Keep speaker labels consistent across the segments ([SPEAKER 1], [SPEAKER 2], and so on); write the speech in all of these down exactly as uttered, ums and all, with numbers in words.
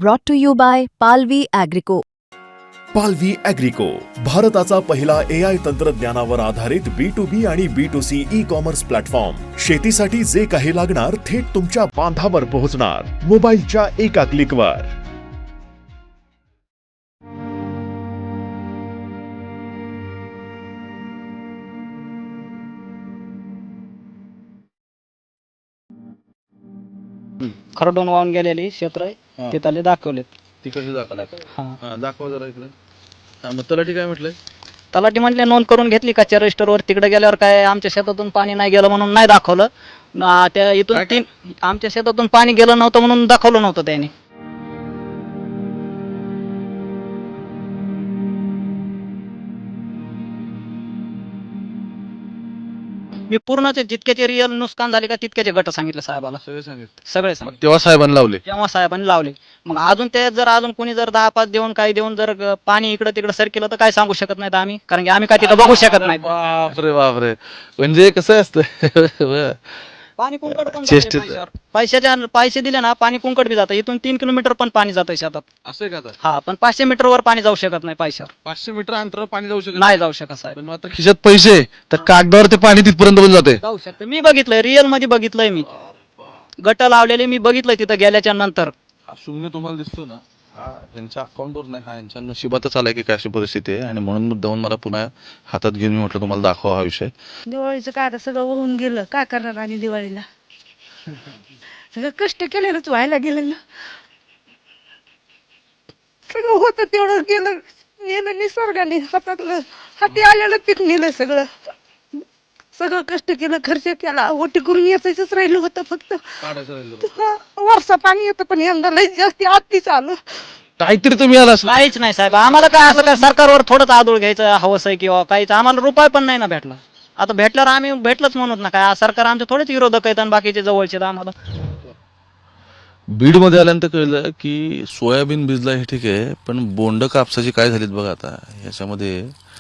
[SPEAKER 1] brought to you by Palvi Agrico.
[SPEAKER 2] पालवी ॲग्रिको, भारताचा पहिला ए आय तंत्रज्ञानावर आधारित बी टू बी आणि B two C e commerce platform. शेतीसाठी जे काही लागणार थेट तुमच्या बांधावर पोहोचणार, मोबाईलच्या एका क्लिकवर.
[SPEAKER 3] खरडून वाहून गेलेली क्षेत्र आहे तिथले दाखवलेत.
[SPEAKER 4] तिकडचे दाखवला
[SPEAKER 3] हा
[SPEAKER 4] हा दाखवा जरा इकडे. हा मग तलाठी काय म्हटलंय?
[SPEAKER 3] तलाठी म्हटले नोंद करून घेतली कच्च्या रजिस्टरवर. तिकडे गेल्यावर काय आमच्या शेतातून पाणी नाही गेलं म्हणून नाही दाखवलं. ना त्या इथून
[SPEAKER 4] काय-
[SPEAKER 3] तीन आमच्या शेतातून पाणी गेलं नव्हतं म्हणून दाखवलं नव्हतं त्याने. मी पूर्णच जितक्याचे रिअल नुकसान झाले का तितक्याचे गट सांगितले साहेबाला.
[SPEAKER 4] सगळे सांगितलं.
[SPEAKER 3] सगळे
[SPEAKER 4] मग
[SPEAKER 3] सांगितले.
[SPEAKER 4] तेव्हा साहेबांनी लावले.
[SPEAKER 3] जेव्हा साहेबांनी लावले मग अजून ते जर अजून कोणी जर दहा पाच देऊन काही देऊन जर ग- पाणी इकडं तिकडं सर केलं तर काय सांगू शकत नाहीत आम्ही, कारण की आम्ही काय तिथं बघू शकत नाही.
[SPEAKER 4] बापरे बापरे, म्हणजे कसं असतं
[SPEAKER 3] पाणी कुंकड पण
[SPEAKER 4] चेष्टेत.
[SPEAKER 3] जातंय पैशावर. पैशाच्या पैसे दिले ना पाणी कुंकड बी जातं. इथून तीन किलोमीटर पण पाणी जातं शेतात.
[SPEAKER 4] असं का? आता
[SPEAKER 3] हा पण पाचशे मीटर वर पाणी जाऊ शकत नाही पैशावर.
[SPEAKER 4] पाचशे मीटर अंतरावर पाणी जाऊ शकत
[SPEAKER 3] नाही जाऊ शकत साहेब.
[SPEAKER 4] पण मात्र खिशात पैसे तर कागदावर ते पाणी तिथपर्यंत पण जाते.
[SPEAKER 3] जाऊ शकते. मी बघितलंय, रिअल मध्ये बघितलंय मी. गट लावलेले मी बघितलंय तिथं गेल्याच्या नंतर.
[SPEAKER 4] हा शून्य तुम्हाला दिसतो ना, हा यांच्या अकाउंटवर नाही, हा यांच्या नशिबातच आलाय की काय अशी परिस्थिती आहे. आणि म्हणून मुद्दाहून मला पुन्हा हातात घेऊन मी म्हटलं तुम्हाला दाखवा हा विषय.
[SPEAKER 5] दिवाळीचं काय आता सगळं होऊन गेलं, काय करणार आणि दिवाळीला सगळं कष्ट केलेलंच व्हायला गेलं ना. सगळं होतं तेवढं गेलं गेलं निसर्गाने हातातलं हाती आलेलं पीक नेलं सगळं. सगळं कष्ट केलं, खर्च केला, ओटी करून यायचंच राहिलं होतं फक्त.
[SPEAKER 4] काढायचं राहिलं.
[SPEAKER 5] हा, वर्षा पाणी येतं पण यंदा लय जास्ती आतीच आलं.
[SPEAKER 4] काहीतरी तुम्ही आला असं.
[SPEAKER 3] काहीच नाही साहेब. आम्हाला काय असं काय सरकारवर थोडंच आदळ घ्यायचं हवंस आहे किंवा काहीच. आम्हाला रुपये पण नाही ना भेटला. आता भेटल्यावर आम्ही भेटलंच म्हणत ना काय. सरकार आमचे थोडेच विरोधक आहेत आणि बाकीचे जवळचे आहेत आम्हाला.
[SPEAKER 4] बीड मध्ये आल्यानंतर कळलं की सोयाबीन भिजला हे ठीक आहे, पण बोंड कापसाची काय झालीत बघा आता. याच्यामध्ये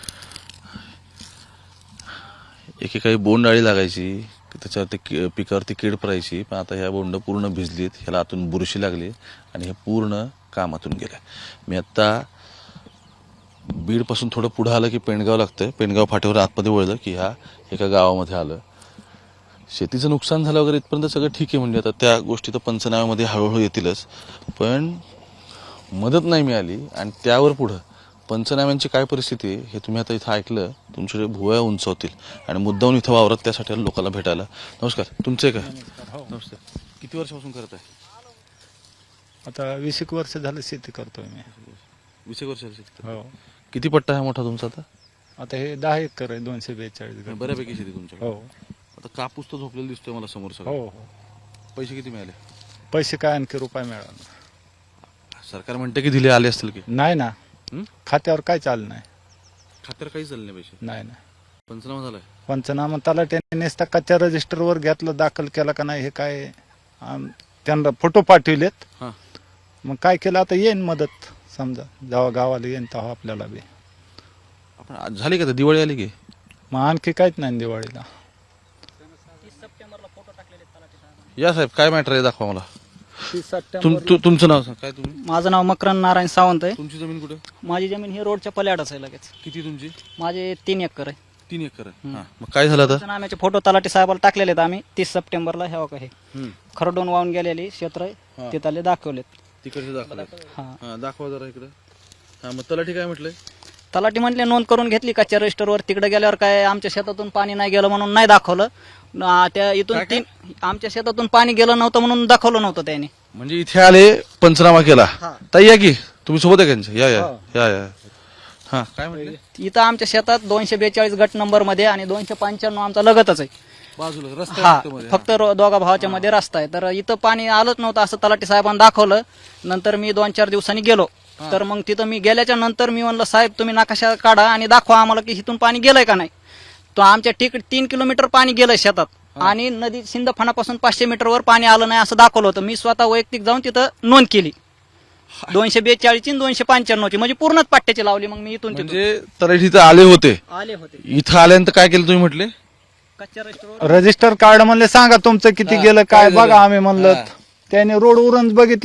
[SPEAKER 4] एकेकाळी बोंड अळी लागायची, त्याच्यावरती कि- पिकावरती कीड पडायची, पण आता ह्या बोंड पूर्ण भिजलीत, ह्याला आतून बुरशी लागली आणि हे पूर्ण कामातून गेलं. मी आत्ता बीडपासून थोडं पुढं आलं की पेणगाव लागतं. पेणगाव फाट्यावर आतमध्ये वळलं की ह्या एका गावामध्ये आलं. शेतीचं नुकसान झालं वगैरे इथपर्यंत सगळं ठीक आहे. म्हणजे आता त्या गोष्टी तर पंचनाम्यामध्ये हळूहळू येतीलच, पण मदत नाही मिळाली. आणि त्यावर पुढं पंचनाम्यांची काय परिस्थिती आहे हे तुम्ही आता इथं ऐकलं, तुमचे भुवया उंचावतील. आणि मुद्दाहून इथं वावरत त्यासाठी आलो लोकांना भेटायला. नमस्कार, तुमचे काय? नमस्कार. किती वर्षापासून करत आहे?
[SPEAKER 6] आता वीस एक वर्ष झालं शेती करतोय मी.
[SPEAKER 4] वीस एक वर्ष शेती.
[SPEAKER 6] हो.
[SPEAKER 4] किती पट्टा आहे मोठा तुमचा आता?
[SPEAKER 6] आता हे दहा एकर आहे, दोनशे बेचाळीस घर.
[SPEAKER 4] बऱ्यापैकी शेती तुमच्याकडे.
[SPEAKER 6] हो
[SPEAKER 4] आता कापूस तर झोपलेला दिसतोय मला समोर
[SPEAKER 6] हो
[SPEAKER 4] सगळं.
[SPEAKER 6] हो.
[SPEAKER 4] पैसे किती मिळाले?
[SPEAKER 6] पैसे काय आणखी रुपये मिळाला
[SPEAKER 4] सरकार म्हणते की दिले आले असतील की?
[SPEAKER 6] नाही ना.
[SPEAKER 4] हं?
[SPEAKER 6] खात्यावर काय चालू नाही.
[SPEAKER 4] खात्यावर काहीच झाले नाही पैसे.
[SPEAKER 6] नाही ना.
[SPEAKER 4] पंचनामा झालाय.
[SPEAKER 6] पंचनामा तलाट्याने नेसता कच्च्या रजिस्टरवर घेतलं, दाखल केला का नाही हे काय आम- त्यांना फोटो पाठविलेत.
[SPEAKER 4] हा.
[SPEAKER 6] मग काय केलं आता येईन मदत, समजा जेव्हा गावाला येईन तेव्हा आपल्याला बी.
[SPEAKER 4] आपण आज झाली का? आता दिवाळी आली की?
[SPEAKER 6] मग आणखी काहीच नाही दिवाळीला.
[SPEAKER 4] या साहेब, काय मॅटर आहे दाखवा मला.
[SPEAKER 6] तीस
[SPEAKER 4] तुम
[SPEAKER 6] सप्टेंबर
[SPEAKER 4] तु- तुमचं नाव सांग. काय तुम्ही?
[SPEAKER 3] माझं नाव मकरन नारायण सावंत आहे.
[SPEAKER 4] तुमची जमीन कुठे?
[SPEAKER 3] माझी जमीन ही रोडच्या पल्याडच आहे लगेच.
[SPEAKER 4] किती तुमची?
[SPEAKER 3] माझे तीन एकर आहे.
[SPEAKER 4] तीन एकर आहे. हा. मग काय झालं आता?
[SPEAKER 3] पंचनाम्याचे फोटो तलाठी साहेबाला टाकलेले आहेत आम्ही. तीस सप्टेंबरला हे बघा हे
[SPEAKER 4] हम्म.
[SPEAKER 3] खरडून वाहून गेलेली क्षेत्र
[SPEAKER 4] हा.
[SPEAKER 3] आहे तिथले दाखवलेत.
[SPEAKER 4] तिकडचे दाखवा.
[SPEAKER 3] हा
[SPEAKER 4] हा दाखवा जरा इकडे. हा मग तलाठी काय म्हटलंय?
[SPEAKER 3] तलाठी म्हटले नोंद करून घेतली कच्च्या रजिस्टरवर. तिकडे गेल्यावर काय आमच्या शेतातून पाणी नाही गेलं म्हणून नाही दाखवलं. ना त्या इथून
[SPEAKER 4] काय- काय?
[SPEAKER 3] तीन आमच्या शेतातून पाणी गेलं नव्हतं म्हणून दाखवलं नव्हतं त्याने.
[SPEAKER 4] म्हणजे इथे आले, पंचनामा केला.
[SPEAKER 3] हा.
[SPEAKER 4] ताई या की, तुम्ही सोबत आहे का यांच्या? या या या या. हा काय म्हटले?
[SPEAKER 3] इथं आमच्या शेतात दोनशे बेचाळीस गट नंबर मध्ये आणि दोनशे पंच्याण्णव आमचा लगतच आहे.
[SPEAKER 4] बाजूला रस्ता
[SPEAKER 3] हा
[SPEAKER 4] आहे फक्त मध्ये.
[SPEAKER 3] फक्त रो- दोघा भावाच्या मध्ये रस्ता आहे. तर इथं पाणी आलंच नव्हतं असं तलाठी साहेबांनी दाखवलं. नंतर मी दोन चार दिवसांनी गेलो. तर मग तिथं मी गेल्याच्या नंतर मी म्हणलं साहेब तुम्ही नकाशा काढा आणि दाखवा आम्हाला की इथून पाणी गेलंय का नाही. तो आमच्या ठीक तीन किलोमीटर पाणी गेलंय शेतात आणि नदी सिंदफानापासून पाचशे मीटरवर पाणी आलं नाही असं दाखवलं होतं. मी स्वतः वैयक्तिक जाऊन तिथं नोंद केली. दोनशे बेचाळीस दोनशे पंच्याण्णव ची म्हणजे पूर्णच पाट्याची लावली. मग मी इथून तिथून
[SPEAKER 4] म्हणजे तलाठी इथं आले होते.
[SPEAKER 3] आले होते.
[SPEAKER 4] इथं आल्यानंतर काय केलं तुम्ही म्हटले?
[SPEAKER 3] कच्च्या रजिस्टरवर
[SPEAKER 6] रजिस्टर कार्ड म्हणले सांगा तुमचं किती
[SPEAKER 4] हा,
[SPEAKER 6] गेलं
[SPEAKER 4] काय
[SPEAKER 6] काय
[SPEAKER 4] झालं?
[SPEAKER 6] बघा. आम्ही म्हणलं
[SPEAKER 4] हा.
[SPEAKER 6] त्याने रोड उरण बघितलं.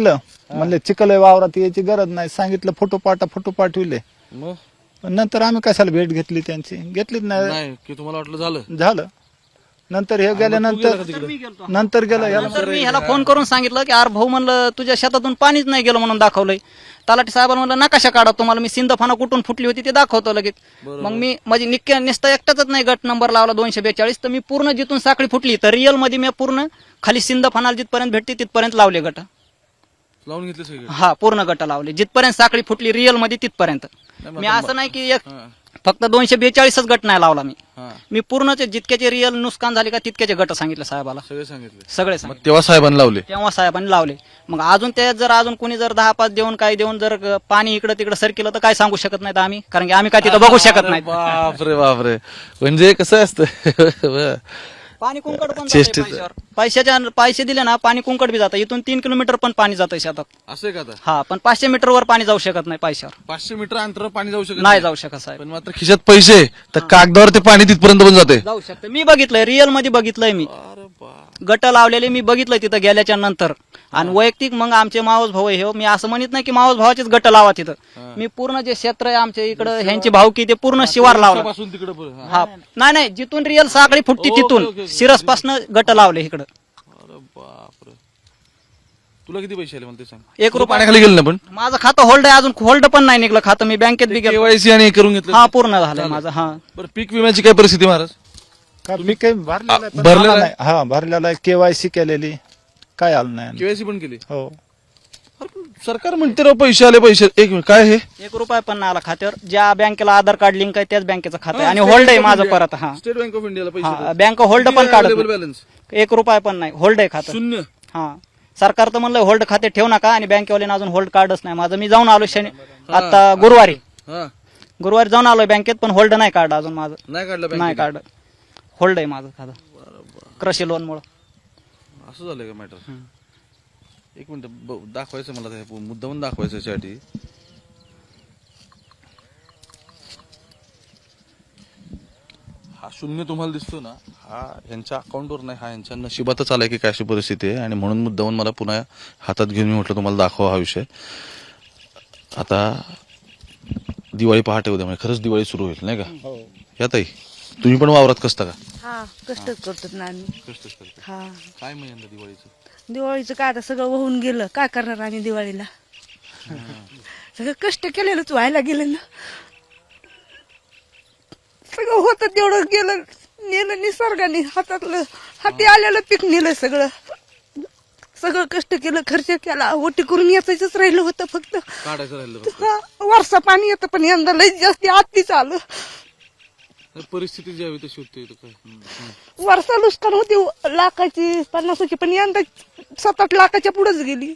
[SPEAKER 6] म्हणले चिखल आहे वावरात यायची गरज नाही, सांगितलं फोटो पाठा, फोटो पाठविले.
[SPEAKER 4] मग
[SPEAKER 6] पण नंतर आम्ही कशाला भेट घेतली त्यांची, घेतलीच नाही.
[SPEAKER 4] नाही की तुम्हाला वाटलं झालं
[SPEAKER 6] झालं. नंतर हे गेल्यानंतर नंतर गेलं याला
[SPEAKER 3] नंतर मी ह्याला फोन करून सांगितलं की अरे भाऊ म्हणलं तुझ्या शेतातून पाणीच नाही गेलं म्हणून दाखवलंय. तलाठी साहेबांना म्हणलं नकाशा काढा, तुम्हाला मी सिंदफाना कुठून फुटली होती ते दाखवतो लगेच. मग मी माझी निक्क्या निसता एकटाच नाही गट नंबर लावला दोनशे बेचाळीस, तर मी पूर्ण जिथून साखळी फुटली तर रिअल मध्ये मी पूर्ण खाली सिंदफानाला जिथपर्यंत भेटते तिथपर्यंत लावले गट.
[SPEAKER 4] लावून घेतले सगळे.
[SPEAKER 3] हा पूर्ण गट लावले जिथपर्यंत साखळी फुटली रिअल मध्ये तिथपर्यंत. मी असं नाही की एक फक्त दोनशे बेचाळीसच गट नाही लावला मी
[SPEAKER 4] हा
[SPEAKER 3] मी पूर्णचे जितक्याचे रिअल नुकसान झाले का तितक्याचे गट सांगितले साहेबाला,
[SPEAKER 4] सगळे सांगितले.
[SPEAKER 3] सगळे
[SPEAKER 4] मग
[SPEAKER 3] सांगितले.
[SPEAKER 4] तेव्हा साहेबांनी लावले.
[SPEAKER 3] तेव्हा साहेबांनी लावले. मग अजून त्यात जर अजून कोणी जर दहा पाच देऊन काय देऊन जर पाणी इकडे तिकडे सरकिलं तर काय सांगू शकत नाहीत आम्ही, कारण की आम्ही काय तिथं बघू शकत नाही.
[SPEAKER 4] बापरे बापरे, म्हणजे कसं असतं
[SPEAKER 3] पाणी कुंकड पण
[SPEAKER 4] चेष्टेत.
[SPEAKER 3] जातंय पैशावर. पैशाच्या पैसे दिले ना पाणी कुंकड बी जातं. इथून तीन किलोमीटर पण पाणी जातं शेतात.
[SPEAKER 4] असं आहे का आता?
[SPEAKER 3] हा पण पाचशे मीटर वर पाणी जाऊ शकत नाही पैशावर,
[SPEAKER 4] पाचशे मीटर अंतरावर पाणी जाऊ शकत
[SPEAKER 3] नाही जाऊ शकत साहेब.
[SPEAKER 4] पण मात्र खिशात पैसे तर कागदावर ते पाणी तिथपर्यंत पण जाते.
[SPEAKER 3] जाऊ शकतं. मी बघितलंय रिअल मध्ये बघितलंय मी गट लावलेले मी बघितलंय तिथं गेल्याच्या नंतर. आणि वैयक्तिक मग आमचे मावस भाऊ हे मी असं म्हणत नाही की मावस भावाचेच गट लावा तिथं. मी पूर्ण जे क्षेत्र आहे आमच्या इकडं ह्यांची भावकी ते पूर्ण शिवार लावलं.
[SPEAKER 4] पासून तिकडे पण-
[SPEAKER 3] हा नाही नाही जिथून रिअल साखळी फुटती
[SPEAKER 4] ओके, ओके,
[SPEAKER 3] तिथून
[SPEAKER 4] ओके.
[SPEAKER 3] सिरस पासन गट लावले इकडं.
[SPEAKER 4] अरे बापरे, तुला किती पैसे आले मला ते सांग.
[SPEAKER 3] एक
[SPEAKER 4] तुला
[SPEAKER 3] रुपया
[SPEAKER 4] पाण्याखाली गेलं ना पण
[SPEAKER 3] माझं खातं होल्ड आहे, अजून होल्ड पण नाही निघलं खातं. मी बँकेत बी गेलो.
[SPEAKER 4] केवायसी आणि हे करून घेतलं.
[SPEAKER 3] हा पूर्ण झालंय माझं. हा
[SPEAKER 4] बरं, पीक विम्याची काय परिस्थिती महाराज?
[SPEAKER 6] का मी काही भरलेलं आहे, पण
[SPEAKER 4] भरलेलं
[SPEAKER 6] आला
[SPEAKER 4] आहे?
[SPEAKER 6] नाही. हा भरलेला आहे, केवायसी केलेली, काय आलं नाही.
[SPEAKER 4] केवायसी पण केली.
[SPEAKER 6] हो
[SPEAKER 4] सरकार म्हणते राव पैसे आले पैसे. एक मिनिट, काय हे
[SPEAKER 3] एक रुपया पण नाही आला खात्यावर. ज्या बँकेला आधार कार्ड लिंक आहे त्याच बँकेचं खातं आहे आणि होल्ड आहे माझं परत. हा
[SPEAKER 4] स्टेट बँक ऑफ इंडियाला
[SPEAKER 3] हा
[SPEAKER 4] पैसे
[SPEAKER 3] बँक होल्ड पण काढत नाही.
[SPEAKER 4] बॅलन्स
[SPEAKER 3] एक रुपया पण नाही, होल्ड आहे खातं.
[SPEAKER 4] शून्य.
[SPEAKER 3] हा सरकार तर म्हणलं होल्ड खाते ठेवू नका आणि बँकेवाल्यानं अजून होल्ड कार्डच नाही माझं. मी जाऊन आलो शनी आता गुरुवारी
[SPEAKER 4] हा
[SPEAKER 3] गुरुवारी जाऊन आलोय बँकेत, पण होल्ड नाही कार्ड अजून माझं.
[SPEAKER 4] नाही काढलं
[SPEAKER 3] नाही
[SPEAKER 4] बँकेने?
[SPEAKER 3] कार्ड होल्ड आहे माझं खातं कृषी लोन मुळे.
[SPEAKER 4] असं झालंय का मॅटर? एक मिनिट ब- दाखवायचं मला ते मुद्दामून दाखवायचं याच्यासाठी. हा शून्य तुम्हाला दिसतो ना, हा यांच्या अकाउंटवर नाही, हा यांच्या नशिबातच आलाय की काय अशी परिस्थिती आहे. आणि म्हणून मुद्दामून मला पुन्हा हातात घेऊन मी म्हटलं तुम्हाला दाखवा हा विषय. आता दिवाळी पहाटे उद्या म्हणजे खरंच दिवाळी सुरू होईल नाही का? या ताई, तुम्ही पण वावरात कसता का?
[SPEAKER 5] हा कष्टच करतात ना आम्ही.
[SPEAKER 4] कष्टच करता.
[SPEAKER 5] हा
[SPEAKER 4] काय मग यंदा दिवाळीचं?
[SPEAKER 5] दिवाळीचं काय आता सगळं वाहून गेलं, काय करणार आम्ही दिवाळीला. सगळं कष्ट केलेलंच व्हायला गेलं ना. सगळं होतं तेवढं गेलं, नेलं निसर्गाने. हातातलं हाती आलेलं पीक नेलं सगळं. सगळं कष्ट केलं, खर्च केला, ओटी करून याचाच राहिलं होतं फक्त.
[SPEAKER 4] काढायचं राहिलं फक्त.
[SPEAKER 5] हा, वर्षा पाणी येतं पण यंदा लई जास्ती आतीच आलं.
[SPEAKER 4] परिस्थिती जी हवी तशी होती. काय हम्म.
[SPEAKER 5] वर्षा नुकसान होती लाखाची पन्नासाची, पण यंदा सात आठ लाखाच्या पुढेच गेली.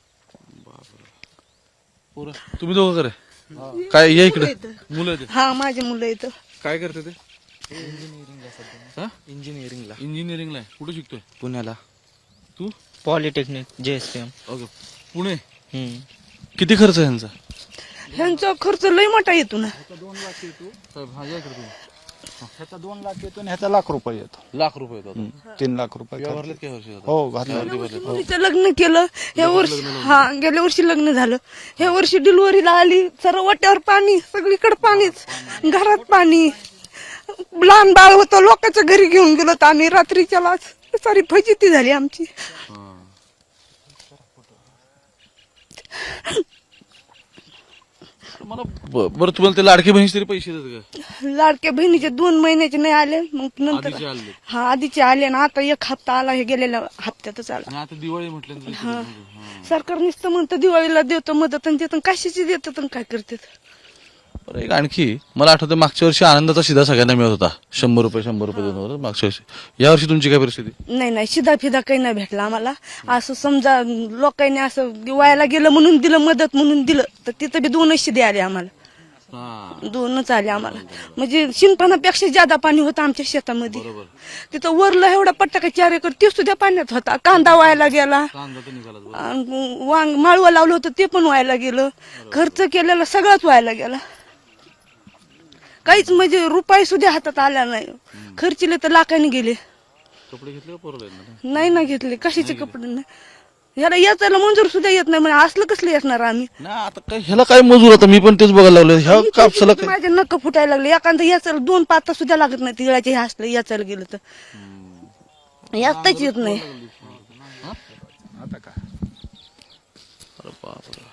[SPEAKER 4] पोरं, तुम्ही दोघं करे काय या इकडे मुलं आहेत?
[SPEAKER 5] हा माझे मुलं येतं.
[SPEAKER 4] काय करते ते? इंजिनिअरिंगला. इंजिनिअरिंगला इंजिनिअरिंगला आहे. कुठे शिकतोय?
[SPEAKER 7] पुण्याला
[SPEAKER 4] तू?
[SPEAKER 7] Polytechnic J S P M.
[SPEAKER 4] Okay, Pune. किती खर्च आहे यांचा?
[SPEAKER 5] ह्यांचा खर्च लई मोठा येतो ना.
[SPEAKER 4] हा, या इकडे तुम्ही.
[SPEAKER 6] ह्याचा दोन लाख येतो आणि ह्याचा लाख रुपये येतो.
[SPEAKER 4] लाख रुपये येतात.
[SPEAKER 6] तीन लाख रुपये
[SPEAKER 4] किंवा
[SPEAKER 6] खर्च.
[SPEAKER 4] भरलेत काय वर्षी आता?
[SPEAKER 6] हो भरले.
[SPEAKER 5] मुलीचं लग्न केलं ह्या वर्षी. हा गेल्या वर्षी लग्न झालं, ह्या वर्षी डिलिव्हरीला आली. सर्व वाट्यावर पाणी, सगळीकडे पाणीच, घरात पाणी. लहान बाळ होतं, लोकांच्या घरी घेऊन गेलो तर आम्ही रात्रीच्याला. सारी फजिती झाली आमची.
[SPEAKER 4] मला ब- बरं, तुम्हाला ते लाडकी बहिणीचे तरी पैसे देतात का?
[SPEAKER 5] लाडक्या बहिणीचे दोन महिन्याचे नाही आले, मग नंतर
[SPEAKER 4] आधीचे आले.
[SPEAKER 5] हा आधीचे आले ना. आता एक हप्ता आला, हे गेलेल्या हप्त्यातच आला.
[SPEAKER 4] आणि आता दिवाळी म्हटल्यानंतर इकडे- हा.
[SPEAKER 5] सरकार नुसतं म्हणतं दिवाळीला देतो मदत, आणि देतं कशाची देतात आणि काय करतात.
[SPEAKER 4] बरं, एक आणखी मला आठवतं मागच्या वर्षी आनंदाचा शिधा सगळ्यांना मिळत होता, शंभर रुपये शंभर रुपये दोन वर मागच्या वर्षी. या वर्षी तुमची काय परिस्थिती?
[SPEAKER 5] नाही नाही शिदा फिदा काही नाही भेटला आम्हाला. असं समजा लोकांनी असं वायाला गेलं म्हणून दिलं, मदत म्हणून दिलं, तर तिथं बी दोनच शिदे आले आम्हाला. दोनच आले आम्हाला. म्हणजे शिंपणापेक्षा ज्यादा पाणी होतं आमच्या शेतामध्ये. तिथं वरलं एवढा पट्टा का चार एकर ते सुद्धा पाण्यात होता. कांदा वायाला गेला, आणि वांग माळवं लावलं होतं ते पण व्हायला गेलं. खर्च केलेला सगळाच व्हायला गेला. काहीच म्हणजे रुपये सुद्धा हातात आला नाही. खर्चले तर लाखाने गेले.
[SPEAKER 4] कपडे घेतले का पोरं?
[SPEAKER 5] नाही ना घेतले, कशाचे कपडे नाही. ह्याला याचायला मंजूर सुद्धा येत नाही म्हणजे असलं कसलं येणार आम्ही
[SPEAKER 4] ना आता काय ह्याला काय मजूर आता मी पण तेच बघायला लागलो ह्या कापसाला काय
[SPEAKER 5] माझे नक्क फुटायला लागले एखादं याचायला दोन पाता सुद्धा लागत नाही तिळाचे हे असलं याचायला गेलं तर याचाच येत नाही
[SPEAKER 6] आता का
[SPEAKER 4] अरे बापरे.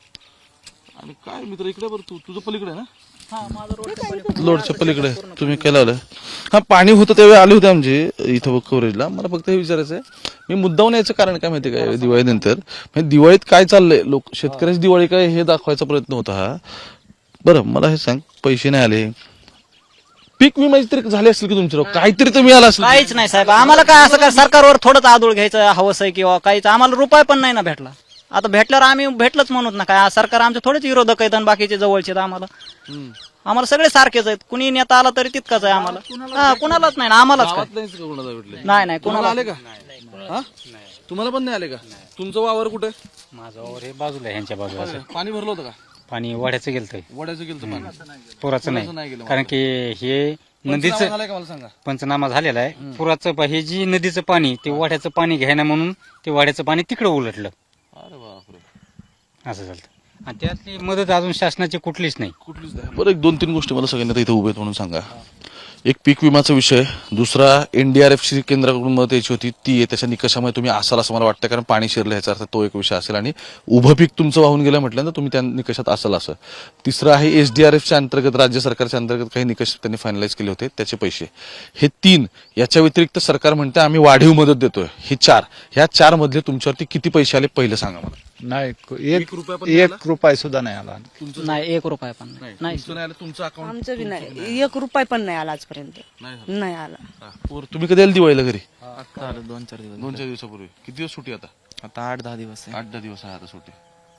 [SPEAKER 4] आणि काय मित्र इकडे बरं तू तुझं पलीकडे ना लोडच्या पलीकडे तुम्ही काय लावलं हा पाणी होतं त्यावेळी आले होते आमचे इथं कव्हरेजला मला फक्त हे विचारायचं आहे मी मुद्दाम याचं कारण काय माहिती काय दिवाळीनंतर म्हणजे दिवाळीत काय चाललंय लोक शेतकऱ्याची दिवाळी काय हे दाखवायचा प्रयत्न होता हा बरं मला हे सांग पैसे नाही आले पीक विमाची तरी झाले असतील की तुमच्या काहीतरी तर मिळालं असेल
[SPEAKER 3] काहीच नाही साहेब आम्हाला काय असं काय सरकारवर थोडंच आदूळ घ्यायचं हवंस आहे किंवा काहीच आम्हाला रुपये पण नाही ना भेटला आता भेटल्यावर आम्ही भेटलंच म्हणूत ना काय सरकार आमचे थोडेच विरोधक आहेत आणि बाकीचे जवळचे आम्हाला आम्हाला सगळे सारखेच आहेत कुणी नेता आला तरी तितकाच आहे आम्हाला हा कुणालाच नाही ना आम्हालाच काय
[SPEAKER 4] गावात नाहीच का कोणाला भेटले
[SPEAKER 3] नाही नाही
[SPEAKER 4] तुम्हाला
[SPEAKER 3] कुणाला
[SPEAKER 4] आले का हा तुम्हाला पण नाही आले का तुमचं वावर कुठे
[SPEAKER 8] माझं वावर हे बाजूला आहे ह्यांच्या बाजूला
[SPEAKER 4] पाणी भरलं होतं का
[SPEAKER 8] पाणी वाड्याचं गेलतंय
[SPEAKER 4] वड्याचं गेलं पाणी
[SPEAKER 8] पुराचं
[SPEAKER 4] नाही
[SPEAKER 8] नाही
[SPEAKER 4] गेलं
[SPEAKER 8] कारण की हे नदीचं
[SPEAKER 4] झालंय का मला सांगा
[SPEAKER 8] पंचनामा झालेला आहे पुराचं पा- हे जी नदीचं पाणी ते वाड्याचं पाणी घ्यायना म्हणून ते वाड्याचं पाणी तिकडे उलटलं
[SPEAKER 4] अरे बापरे
[SPEAKER 8] असं झालं आणि त्यातली मदत अजून शासनाची कुठलीच नाही
[SPEAKER 4] कुठलीच नाही बरं एक दोन तीन गोष्टी मला सगळ्यांना इथे उभे आहेत म्हणून सांगा एक पीक विमाचा विषय दुसरा एनडीआरएफची केंद्राकडून मदत यायची होती ती आहे त्याच्या निकषामुळे तुम्ही असाल असं मला वाटतं कारण पाणी शिरलं ह्याचा अर्थ तो एक विषय असेल आणि उभं पीक तुमचं वाहून गेलं म्हटल्यानंतर तुम्ही त्या निकषात असाल असं तिसरं आहे एसडीआरएफच्या अंतर्गत राज्य सरकारच्या अंतर्गत काही निकष त्यांनी फायनलाइज केले होते त्याचे पैसे हे तीन याच्या व्यतिरिक्त सरकार म्हणते आम्ही वाढीव मदत देतोय हे चार ह्या चार मधले तुमच्यावरती किती पैसे आले पहिलं सांगा मला
[SPEAKER 6] नाही
[SPEAKER 4] एक
[SPEAKER 6] एक
[SPEAKER 4] रुपया पण
[SPEAKER 6] एक रुपया सुद्धा नाही आला
[SPEAKER 3] नाही एक रुपया पण नाही नाही
[SPEAKER 4] तुमचं नाही आलं तुमचं अकाउंट
[SPEAKER 5] आमचं बी नाही एक रुपये पण नाही आला आजपर्यंत
[SPEAKER 4] नाही
[SPEAKER 5] नाही आला
[SPEAKER 4] पोर तुम्ही कधी आले दिवाळीला घरी
[SPEAKER 7] आता आलं दोन चार दिवस
[SPEAKER 4] दोन चार दिवसापूर्वी किती दिवस सुट्टी आता
[SPEAKER 7] आता आठ दहा दिवस आहे
[SPEAKER 4] आठ दहा दिवस आहे आता सुट्टी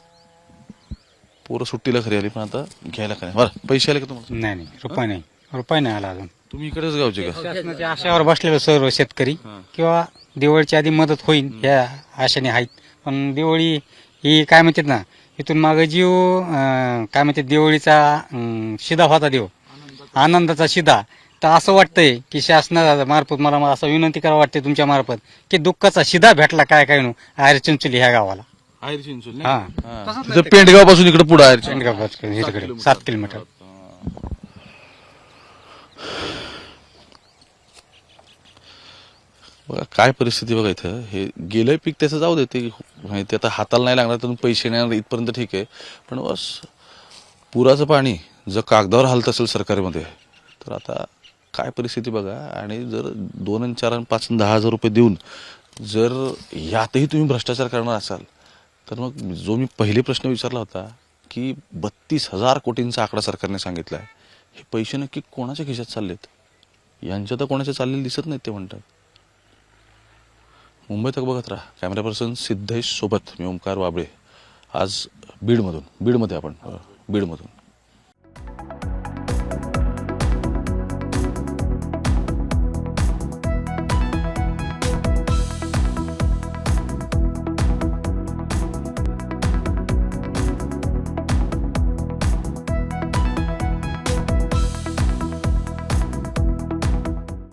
[SPEAKER 4] पोरं सुट्टीला घरी आली पण आता घ्यायला काय बरं पैसे आले का तुम्हाला
[SPEAKER 8] नाही नाही रुपये नाही रुपये नाही आला अजून
[SPEAKER 4] तुम्ही इकडेच गावचे का
[SPEAKER 8] शासनाच्या आशावर बसलेले सर्व शेतकरी किंवा दिवाळीच्या आधी मदत होईल ह्या आशेने आहेत पण दिवाळी ही काय म्हणतात ना इथून मागे जीव अं, काय म्हणतात दिवाळीचा अं, शिदा होता देव आनंदाचा शिदा तर असं वाटतंय की शासना मार्फत मला मला असं विनंती करावं वाटते तुमच्या मार्फत की दुःखाचा शिदा भेटला काय काय नु आयर चिंचोली ह्या गावाला
[SPEAKER 4] आहेर चिंचोली
[SPEAKER 8] हा
[SPEAKER 4] तिथं पेंडगाव पासून इकडे पुढे आहे
[SPEAKER 8] शेंडगाव इकडे सात किलोमीटर
[SPEAKER 4] बघा काय परिस्थिती बघा इथं हे गेलंय पीक त्याचं जाऊ दे ते ते आता हाताला नाही लागणार तर पैसे नाही येणार इथपर्यंत ठीक आहे पण बस पुराचं पाणी जर कागदावर हालत असेल सरकारमध्ये तर आता काय परिस्थिती बघा आणि जर दोन आणि चार आणि पाच आणि दहा हजार रुपये देऊन जर यातही तुम्ही भ्रष्टाचार करणार असाल तर मग जो मी पहिले प्रश्न विचारला होता की बत्तीस हजार कोटींचा आकडा सरकारने सांगितला आहे हे पैसे नक्की कोणाच्या खिशात चाललेत यांच्या तर कोणाच्या चाललेले दिसत नाहीत ते म्हणतात मुंबई तक बघत राहा कॅमेरा पर्सन सिद्धेश सोबत मी ओमकार वाबळे आज बीडमधून बीडमध्ये आपण बीडमधून